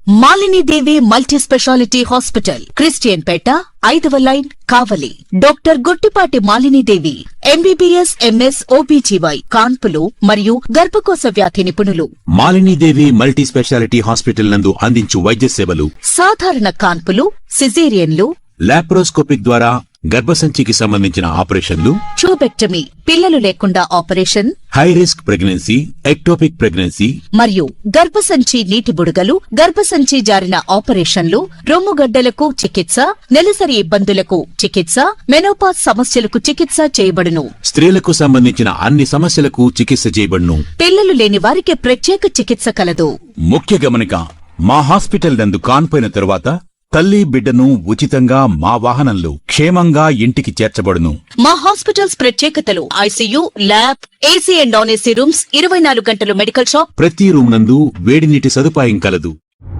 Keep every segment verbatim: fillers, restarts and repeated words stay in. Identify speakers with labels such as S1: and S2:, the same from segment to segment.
S1: Malini Devi multi speciality hospital, Christian Peta, ఐదవ line, Kavali. Doctor Guttipati Malini Devi MBBS, MS, OBGY, కాన్పులు మరియు గర్భకోశ వ్యాధి నిపుణులు.
S2: Malini Devi multi speciality hospital నందు అందించు వైద్య సేవలు:
S1: సాధారణ కాన్పులు, సిజేరియన్లు,
S2: లాప్రోస్కోపిక్ ద్వారా గర్భసంచికి సంబంధించిన ఆపరేషన్లు,
S1: ట్యూబెక్టమీ, పిల్లలు లేకుండా operation,
S2: high risk pregnancy, ectopic pregnancy
S1: మరియు గర్భసంచి నీటి బుడగలు, గర్భసంచి జారిన ఆపరేషన్లు, రొమ్ముగడ్డలకు చికిత్స, నెలసరి ఇబ్బందులకు చికిత్స, మెనోపాజ్ సమస్యలకు చికిత్స చేయబడును.
S2: స్త్రీలకు సంబంధించిన అన్ని సమస్యలకు చికిత్స చేయబడును.
S1: పిల్లలు లేని వారికి ప్రత్యేక చికిత్స కలదు.
S2: ముఖ్య గమనిక: మా హాస్పిటల్ నందు కాన్పోయిన తరువాత తల్లి బిడ్డను ఉచితంగా మా వాహనంలో క్షేమంగా ఇంటికి చేర్చబడును.
S1: మా హాస్పిటల్స్ ప్రత్యేకతలు: ICU, lab, AC and non AC rooms, ఇరవై నాలుగు గంటలు మెడికల్ షాప్,
S2: ప్రతి రూమ్ నందు వేడి నీటి సదుపాయం కలదు.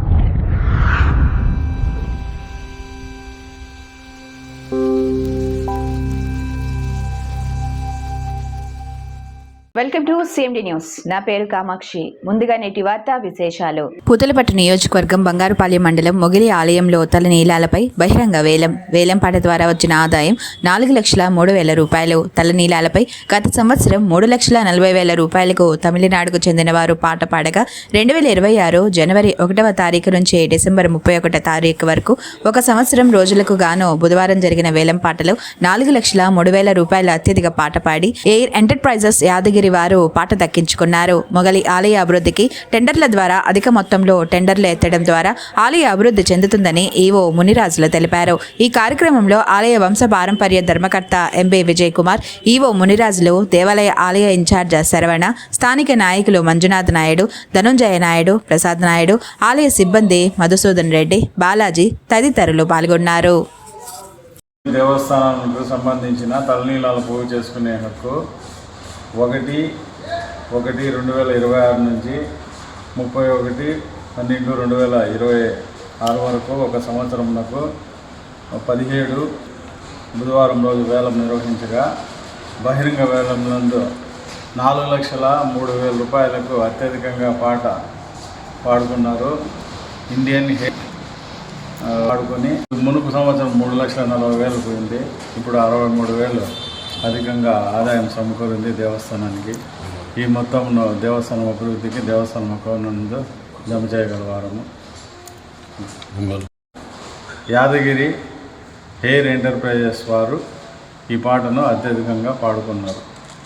S3: Welcome to CMD news. నా పేరు కామాక్షి. ముందుగా నేటి వార్తా విశేషాలు.
S4: పూతలపట్టు నియోజకవర్గం బంగారుపాలెం మండలం మొగిలి ఆలయంలో తల నీలాలపై బహిరంగ వేలం. వేలంపాట ద్వారా వచ్చిన ఆదాయం నాలుగు లక్షల మూడు వేల రూపాయలు. తల నీలాలపై గత సంవత్సరం మూడు లక్షల నలభై వేల రూపాయలకు తమిళనాడుకు చెందిన వారు పాట పాడగా రెండు వేల ఇరవై ఆరు జనవరి ఒకటవ తారీఖు నుంచి డిసెంబర్ ముప్పై ఒకటో తారీఖు వరకు ఒక సంవత్సరం రోజులకు గాను బుధవారం జరిగిన వేలంపాటలో నాలుగు లక్షల మూడు వేల రూపాయల అత్యధిక పాట పాడి ఎయిర్ ఎంటర్ప్రైజెస్ యాదగిరి వారు పాట దక్కించుకున్నారు. మొగలి ఆలయ అభివృద్ధికి టెండర్ల ద్వారా అధిక మొత్తంలో టెండర్లు ఎత్తడం ద్వారా ఆలయ అభివృద్ధి చెందుతుందని ఈవో మునిరాజులు తెలిపారు. ఈ కార్యక్రమంలో ఆలయ వంశ పారంపర్య ధర్మకర్త ఎంబీ విజయ్ కుమార్, ఈవో మునిరాజులు, దేవాలయ ఆలయ ఇన్ఛార్జ్ శరవణ, స్థానిక నాయకులు మంజునాథ్ నాయుడు, ధనుంజయ నాయుడు, ప్రసాద్ నాయుడు, ఆలయ సిబ్బంది మధుసూదన్ రెడ్డి, బాలాజీ తదితరులు పాల్గొన్నారు.
S5: దేవస్థానానికి సంబంధించిన తలనీలాలు పోగు చేసుకునే హక్కు ఒకటి ఒకటి రెండు వేల ఇరవై ఆరు నుంచి ముప్పై ఒకటి పన్నెండు రెండు వేల ఇరవై ఆరు వరకు ఒక సంవత్సరంలో పదిహేడు బుధవారం రోజు వేలం నిర్వహించగా బహిరంగ వేలం నందు నాలుగు లక్షల మూడు వేల రూపాయలకు అత్యధికంగా పాట పాడుకున్నారు. ఇండియన్ హే పాడుకొని మునుపు సంవత్సరం మూడు లక్షల నలభై వేలు పోయింది. ఇప్పుడు అరవై మూడు వేలు అధికంగా ఆదాయం సమకూరింది దేవస్థానానికి. ఈ మొత్తం దేవస్థానం అభివృద్ధికి దేవస్థానం అకౌంట్ జమ చేయగలవారము. యాదగిరి ఎయిర్ ఎంటర్ప్రైజెస్ వారు ఈ పాటను అత్యధికంగా పాడుకున్నారు.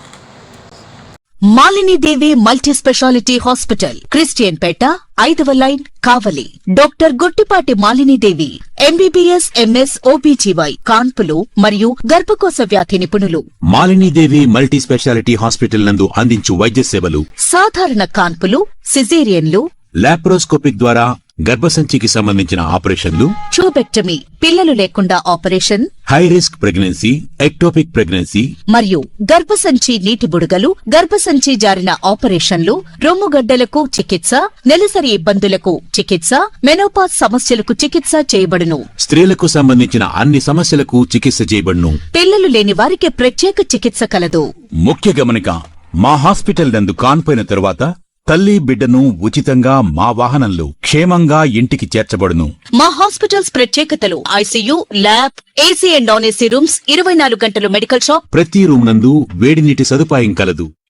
S1: Malini Devi multi speciality hospital, Christian Peta, ఐదవ line, Kavali. Doctor Guttipati Malini Devi MBBS, MS, OBGY, కాన్పులు మరియు గర్భకోశ వ్యాధి నిపుణులు.
S2: Malini Devi multi speciality hospital నందు అందించు వైద్య సేవలు:
S1: సాధారణ కాన్పులు, సిజేరియన్లు,
S2: లాప్రోస్కోపిక్ ద్వారా గర్భసంచికి సంబంధించిన ఆపరేషన్లు,
S1: ట్యూబెక్టమీ, పిల్లలు లేకుండా operation,
S2: high risk pregnancy, ectopic pregnancy
S1: మరియు గర్భసంచి నీటి బుడగలు, గర్భసంచి జారిన ఆపరేషన్లు, రొమ్ముగడ్డలకు చికిత్స, నెలసరి ఇబ్బందులకు చికిత్స, మెనోపాజ్ సమస్యలకు చికిత్స చేయబడును.
S2: స్త్రీలకు సంబంధించిన అన్ని సమస్యలకు చికిత్స చేయబడును.
S1: పిల్లలు లేని వారికి ప్రత్యేక చికిత్స కలదు.
S2: ముఖ్య గమనిక: మా హాస్పిటల్ నందు కాన్పోయిన తరువాత తల్లి బిడ్డను ఉచితంగా మా వాహనంలో క్షేమంగా ఇంటికి చేర్చబడును.
S1: మా హాస్పిటల్స్ ప్రత్యేకతలు: ICU, lab, AC and non AC rooms, ఇరవై నాలుగు గంటలు మెడికల్ షాప్,
S2: ప్రతి రూమ్ నందు వేడి నీటి సదుపాయం కలదు.